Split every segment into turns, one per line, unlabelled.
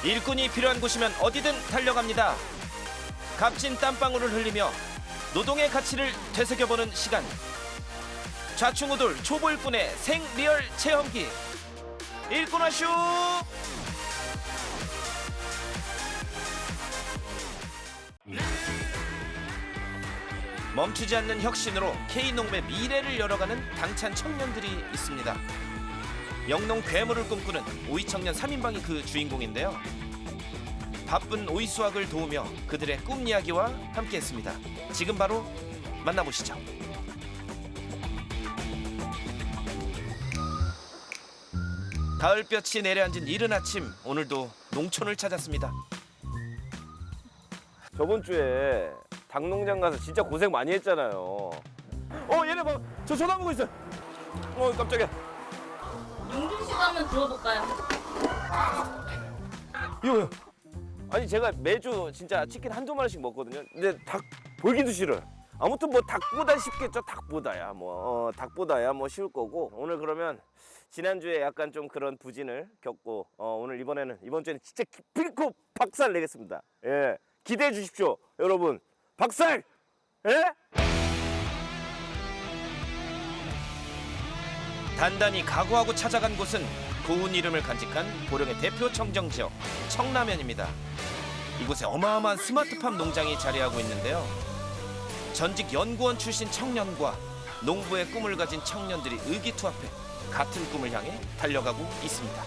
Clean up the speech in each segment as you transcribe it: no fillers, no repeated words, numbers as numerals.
일꾼이 필요한 곳이면 어디든 달려갑니다. 값진 땀방울을 흘리며 노동의 가치를 되새겨보는 시간. 좌충우돌 초보 일꾼의 생리얼 체험기. 일꾼화쇼. 멈추지 않는 혁신으로 K농업의 미래를 열어가는 당찬 청년들이 있습니다. 영농 괴물을 꿈꾸는 오이 청년 3인방이 그 주인공인데요. 바쁜 오이 수확을 도우며 그들의 꿈 이야기와 함께했습니다. 지금 바로 만나보시죠. 가을볕이 내려앉은 이른 아침, 오늘도 농촌을 찾았습니다.
저번 주에 닭농장 가서 진짜 고생 많이 했잖아요. 얘네 봐, 저 쳐다보고 있어. 깜짝이야.
윤준 씨도 한번 들어볼까요?
이거 아니 제가 매주 진짜 치킨 한두 마리씩 먹거든요. 근데 닭 보기도 싫어요. 아무튼 뭐 닭보다 쉽겠죠. 닭보다야 뭐 쉬울 거고. 오늘 그러면 지난주에 약간 좀 그런 부진을 겪고 오늘 이번 주에는 진짜 기필코 박살 내겠습니다. 예, 기대해 주십시오, 여러분. 박살! 예?
단단히 각오하고 찾아간 곳은 고운 이름을 간직한 보령의 대표 청정지역 청라면입니다. 이곳에 어마어마한 스마트팜 농장이 자리하고 있는데요. 전직 연구원 출신 청년과 농부의 꿈을 가진 청년들이 의기투합해 같은 꿈을 향해 달려가고 있습니다.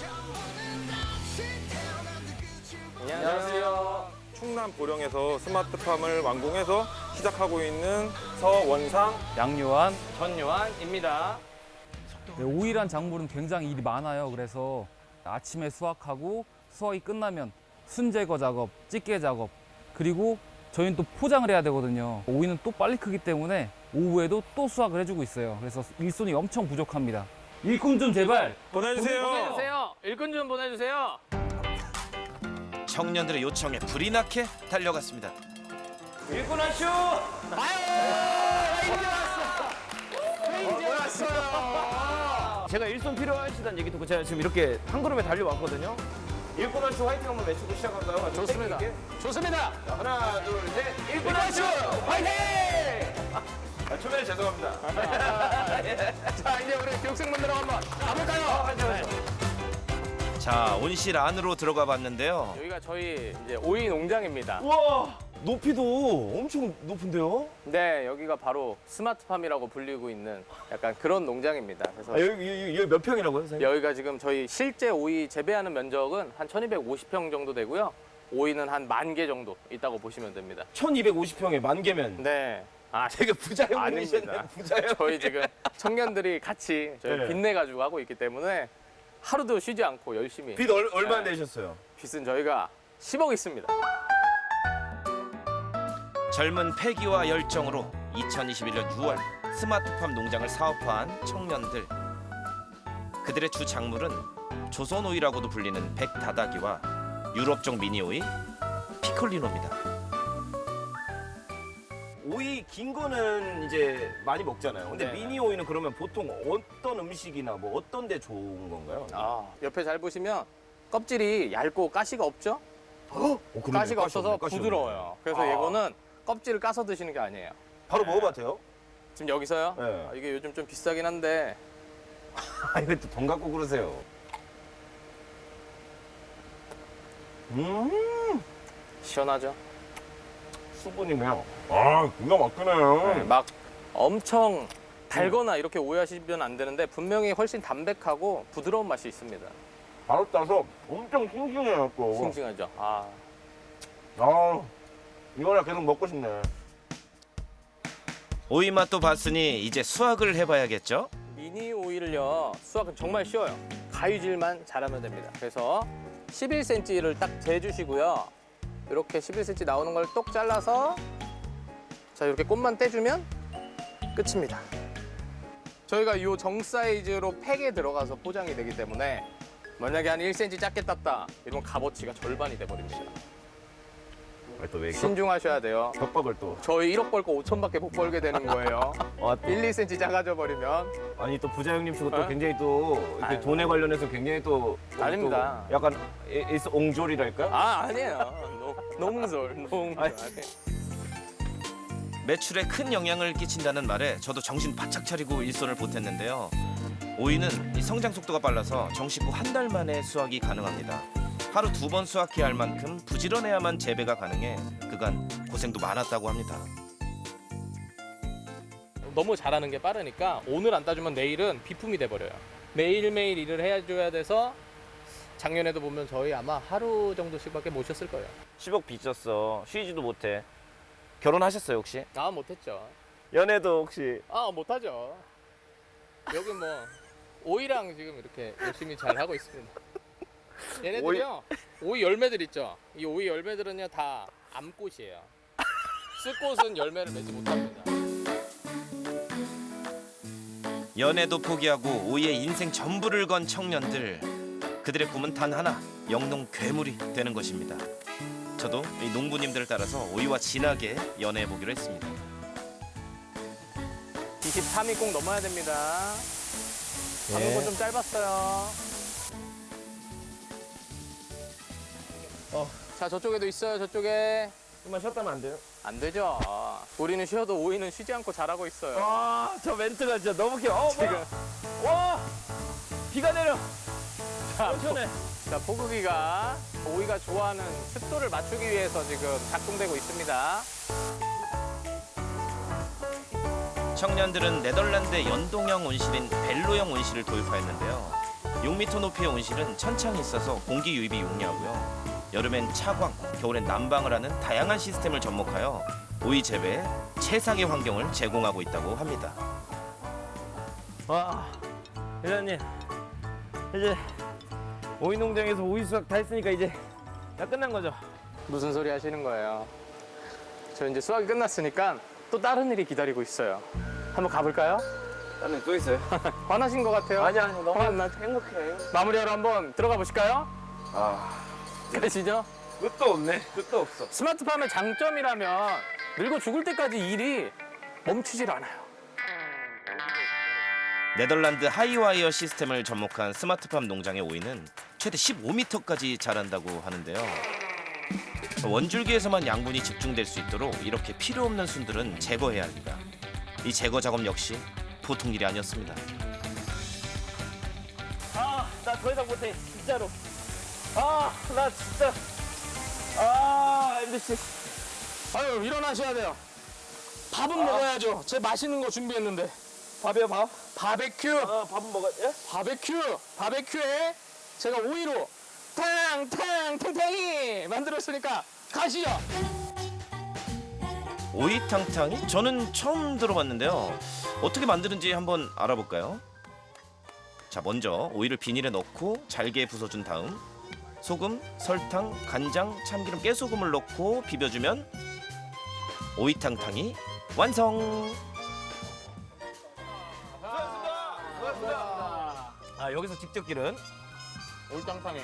안녕하세요.
충남 보령에서 스마트팜을 완공해서 시작하고 있는 서원상,
양요한.
전요한입니다.
네, 오이란 작물은 굉장히 일이 많아요. 그래서 아침에 수확하고 수확이 끝나면 순 제거 작업, 찌개 작업, 그리고 저희는 또 포장을 해야 되거든요. 오이는 또 빨리 크기 때문에 오후에도 또 수확을 해주고 있어요. 그래서 일손이 엄청 부족합니다. 일꾼 좀 제발
보내주세요.
보내주세요. 일꾼 좀 보내주세요.
청년들의 요청에 불이 나게 달려갔습니다.
일꾼하쇼! 제가 일손 필요하시다는 얘기 듣고 제가 지금 이렇게 한 걸음에 달려왔거든요. 일꾼하쇼 화이팅 한번 외치고 시작할까요?
좋습니다. 좋습니다.
자, 하나, 둘, 셋. 일꾼하쇼 화이팅! 초면에 죄송합니다.
자, 이제 우리 교육생분들하고 한번 가볼까요?
자, 온실 안으로 들어가 봤는데요.
여기가 저희 이제 오이 농장입니다.
우와, 높이도 엄청 높은데요?
네, 여기가 바로 스마트팜이라고 불리고 있는 약간 그런 농장입니다. 그래서
여기 몇 평이라고요, 선생님?
여기가 지금 저희 실제 오이 재배하는 면적은 한 1250평 정도 되고요. 오이는 한 10,000개 정도 있다고 보시면 됩니다.
1250평에 10,000개면
네. 아,
되게 부자형
아닙니다.
부자형.
저희 지금 청년들이 같이 저희
네.
빚내가지고 하고 있기 때문에 하루도 쉬지 않고 열심히.
빚 얼마
네.
내셨어요?
빚은 저희가 10억 있습니다.
젊은 패기와 열정으로 2021년 6월 스마트팜 농장을 사업화한 청년들. 그들의 주 작물은 조선오이라고도 불리는 백다다기와 유럽종 미니오이 피콜리노입니다.
오이 긴 거는 이제 많이 먹잖아요. 근데
네.
미니 오이는 그러면 보통 어떤 음식이나 뭐 어떤 데 좋은 건가요?
옆에 잘 보시면 껍질이 얇고 가시가 없죠?
그러네.
가시가 없어서
가시 없네.
부드러워요. 그래서 이거는 껍질을 까서 드시는 게 아니에요.
바로 먹어봐도 돼요?
지금 여기서요?
네.
이게 요즘 좀 비싸긴 한데
아, 이거 또 돈 갖고 그러세요.
시원하죠?
수분이네요.
아, 기가 막히네요.
막 엄청 달거나 이렇게 오해하시면 안 되는데 분명히 훨씬 담백하고 부드러운 맛이 있습니다.
바로 따서 엄청 싱싱해요, 또.
싱싱하죠? 아,
이거나 계속 먹고 싶네.
오이 맛도 봤으니 이제 수확을 해봐야겠죠?
미니 오일을요 수확은 정말 쉬워요. 가위질만 잘하면 됩니다. 그래서 11cm를 딱 재주시고요. 이렇게 11cm 나오는 걸 똑 잘라서 자 이렇게 꽃만 떼주면 끝입니다. 저희가 이 정 사이즈로 팩에 들어가서 포장이 되기 때문에 만약에 한 1cm 작게 땄다 이러면 값어치가 절반이 돼버립니다.
또왜
신중하셔야 돼요.
협박을 또.
저희 1억 벌고 5천밖에 못 벌게 되는 거예요. 1, 2cm 작아져 버리면.
아니 또 부자 형님 치고 또
어?
굉장히 또 이렇게
아유.
돈에 관련해서 굉장히 또
아닙니다.
또 약간 옹졸이랄까?
아니에요. 농솔.
아니.
매출에 큰 영향을 끼친다는 말에 저도 정신 바짝 차리고 일손을 보탰는데요. 오이는 이 성장 속도가 빨라서 정식 후 한 달 만에 수확이 가능합니다. 하루 2번 수확해야 할 만큼 부지런해야만 재배가 가능해 그간 고생도 많았다고 합니다.
너무 잘하는 게 빠르니까 오늘 안 따주면 내일은 비품이 돼버려요. 매일매일 일을 해줘야 돼서 작년에도 보면 저희 아마 하루 정도씩밖에 못 쉬었을 거예요.
10억 빚졌어. 쉬지도 못해. 결혼하셨어요 혹시?
아 못했죠.
연애도 혹시?
아 못하죠. 여기 뭐 오이랑 지금 이렇게 열심히 잘 하고 있습니다. 얘네들이요. 오이 열매들 있죠. 이 오이 열매들은요 다 암꽃이에요. 쓸꽃은 열매를 맺지 못합니다.
연애도 포기하고 오이에 인생 전부를 건 청년들. 그들의 꿈은 단 하나, 영농 괴물이 되는 것입니다. 저도 이 농부님들을 따라서 오이와 진하게 연애해 보기로 했습니다.
23이 꼭 넘어야 됩니다. 가는 건 좀 짧았어요. 자 저쪽에도 있어요. 저쪽에.
좀만 쉬었다면 안 돼요?
안 되죠. 우리는 쉬어도 오이는 쉬지 않고 자라고 있어요.
저 멘트가 진짜 너무 귀여워.
지금.
와! 비가 내려.
자,
시원해.
자, 포구기가 오이가 좋아하는 습도를 맞추기 위해서 지금 작동되고 있습니다.
청년들은 네덜란드의 연동형 온실인 벨로형 온실을 도입하였는데요. 6m 높이의 온실은 천창이 있어서 공기 유입이 용이하고요. 여름엔 차광, 겨울엔 난방을 하는 다양한 시스템을 접목하여 오이 재배에 최상의 환경을 제공하고 있다고 합니다.
와, 회장님. 이제 오이 농장에서 오이 수확 다 했으니까 이제 다 끝난 거죠?
무슨 소리 하시는 거예요? 저 이제 수학이 끝났으니까 또 다른 일이 기다리고 있어요. 한번 가볼까요?
나는 또 있어요.
화나신 것 같아요.
아니야, 너무
화나-
행복해.
마무리하러 한번 들어가 보실까요?
아,
가시죠.
끝도 없네. 끝도 없어.
스마트팜의 장점이라면 늙어 죽을 때까지 일이 멈추질 않아요.
네덜란드 하이와이어 시스템을 접목한 스마트팜 농장의 오이는 최대 15m까지 자란다고 하는데요. 원줄기에서만 양분이 집중될 수 있도록 이렇게 필요 없는 순들은 제거해야 합니다. 이 제거 작업 역시 보통 일이 아니었습니다.
아, 나 더 이상 못해. 진짜로. 아, 나 진짜. 아, MBC.
아유 일어나셔야 돼요. 밥은 먹어야죠. 제 맛있는 거 준비했는데.
밥이요, 밥?
바베큐.
아, 밥은 먹어야 돼?
바베큐에 제가 오이로 탕탕이 만들었으니까 가시죠.
오이탕탕이? 저는 처음 들어봤는데요. 어떻게 만드는지 한번 알아볼까요? 자, 먼저 오이를 비닐에 넣고 잘게 부숴준 다음 소금, 설탕, 간장, 참기름, 깨소금을 넣고 비벼주면 오이탕탕이 완성!
아, 여기서 직접 기른.
오이탕탕이.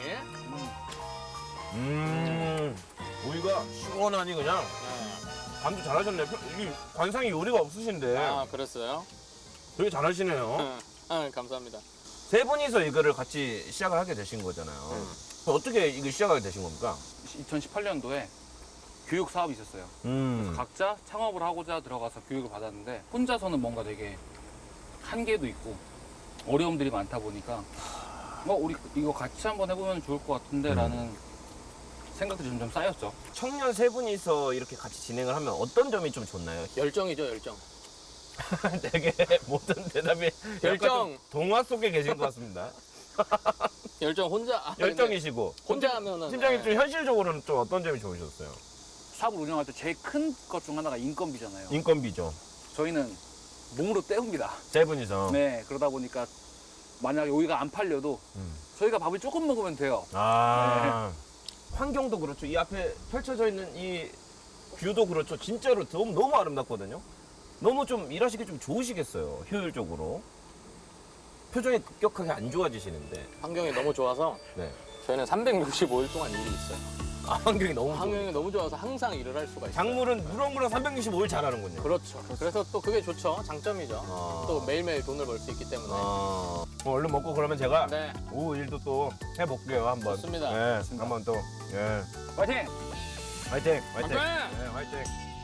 오이가 시원하니 그냥. 감도 잘하셨네. 이 관상이 요리가 없으신데
아 그랬어요?
되게 잘하시네요.
감사합니다.
세 분이서 이거를 같이 시작을 하게 되신 거잖아요. 어떻게 이거 시작하게 되신 겁니까?
2018년도에 교육 사업이 있었어요. 각자 창업을 하고자 들어가서 교육을 받았는데 혼자서는 뭔가 되게 한계도 있고 어려움들이 많다 보니까 우리 이거 같이 한번 해보면 좋을 것 같은데라는 생각들이 점점 쌓였죠.
청년 세 분이서 이렇게 같이 진행을 하면 어떤 점이 좀 좋나요?
열정이죠 열정.
되게 모든 대답이
열정.
약간 좀 동화 속에 계신 것 같습니다.
열정 혼자.
열정이시고.
혼자 하면은.
팀장님 좀 현실적으로는 좀 어떤 점이 좋으셨어요?
사업을 운영할 때 제일 큰 것 중 하나가 인건비잖아요.
인건비죠.
저희는 몸으로 때웁니다.
세 분이서.
네, 그러다 보니까 만약에 오이가 안 팔려도 저희가 밥을 조금 먹으면 돼요.
아. 환경도 그렇죠. 이 앞에 펼쳐져 있는 이 뷰도 그렇죠. 진짜로 너무 아름답거든요. 너무 좀 일하시기 좀 좋으시겠어요. 효율적으로. 표정이 급격하게 안 좋아지시는데.
환경이 너무 좋아서
네.
저희는 365일 동안 일이 있어요.
환경이 너무 좋아.
환경이 너무 좋아서 항상 일을 할 수가 있어요.
작물은 무럭무럭 365일 자라는군요.
그렇죠. 그래서 또 그게 좋죠. 장점이죠. 또 매일매일 돈을 벌 수 있기 때문에.
얼른 먹고 그러면 제가
네.
오후 일도 또 해볼게요 한번.
좋습니다.
네, 한번 또. 예.
화이팅!
화이팅! 화이팅!
화이팅!
네, 화이팅!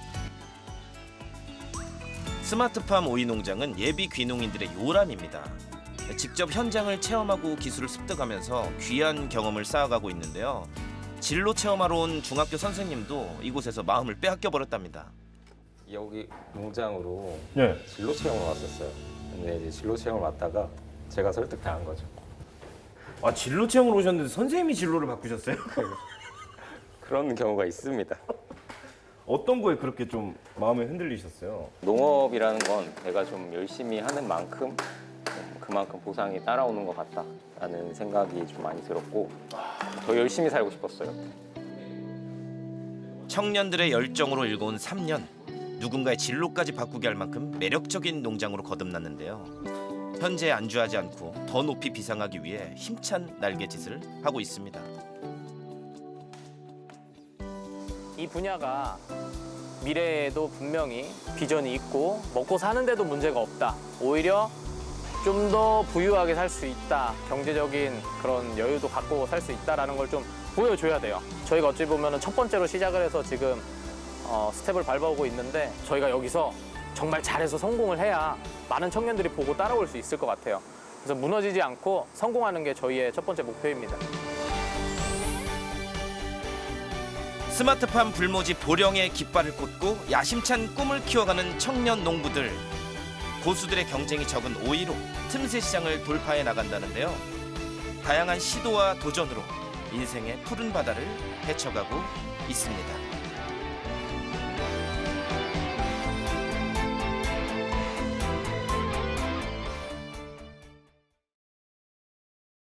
스마트팜 오이 농장은 예비 귀농인들의 요람입니다. 직접 현장을 체험하고 기술을 습득하면서 귀한 경험을 쌓아가고 있는데요. 진로 체험하러 온 중학교 선생님도 이곳에서 마음을 빼앗겨 버렸답니다.
여기 농장으로
네.
진로 체험을 왔었어요. 근데 이제 진로 체험을 왔다가 제가 설득당한 거죠.
아 진로 체험을 오셨는데 선생님이 진로를 바꾸셨어요?
그런 경우가 있습니다.
어떤 거에 그렇게 좀 마음이 흔들리셨어요?
농업이라는 건 내가 좀 열심히 하는 만큼 그만큼 보상이 따라오는 것 같다라는 생각이 좀 많이 들었고 더 열심히 살고 싶었어요.
청년들의 열정으로 일궈온 3년. 누군가의 진로까지 바꾸게 할 만큼 매력적인 농장으로 거듭났는데요. 현재 안주하지 않고 더 높이 비상하기 위해 힘찬 날갯짓을 하고 있습니다.
이 분야가 미래에도 분명히 비전이 있고 먹고 사는데도 문제가 없다. 오히려 좀 더 부유하게 살 수 있다. 경제적인 그런 여유도 갖고 살 수 있다라는 걸 좀 보여줘야 돼요. 저희가 어찌 보면 첫 번째로 시작을 해서 지금 스텝을 밟아오고 있는데 저희가 여기서 정말 잘해서 성공을 해야 많은 청년들이 보고 따라올 수 있을 것 같아요. 그래서 무너지지 않고 성공하는 게 저희의 첫 번째 목표입니다.
스마트팜 불모지 보령의 깃발을 꽂고 야심찬 꿈을 키워가는 청년 농부들. 고수들의 경쟁이 적은 오이로 틈새 시장을 돌파해 나간다는데요. 다양한 시도와 도전으로 인생의 푸른 바다를 헤쳐가고 있습니다.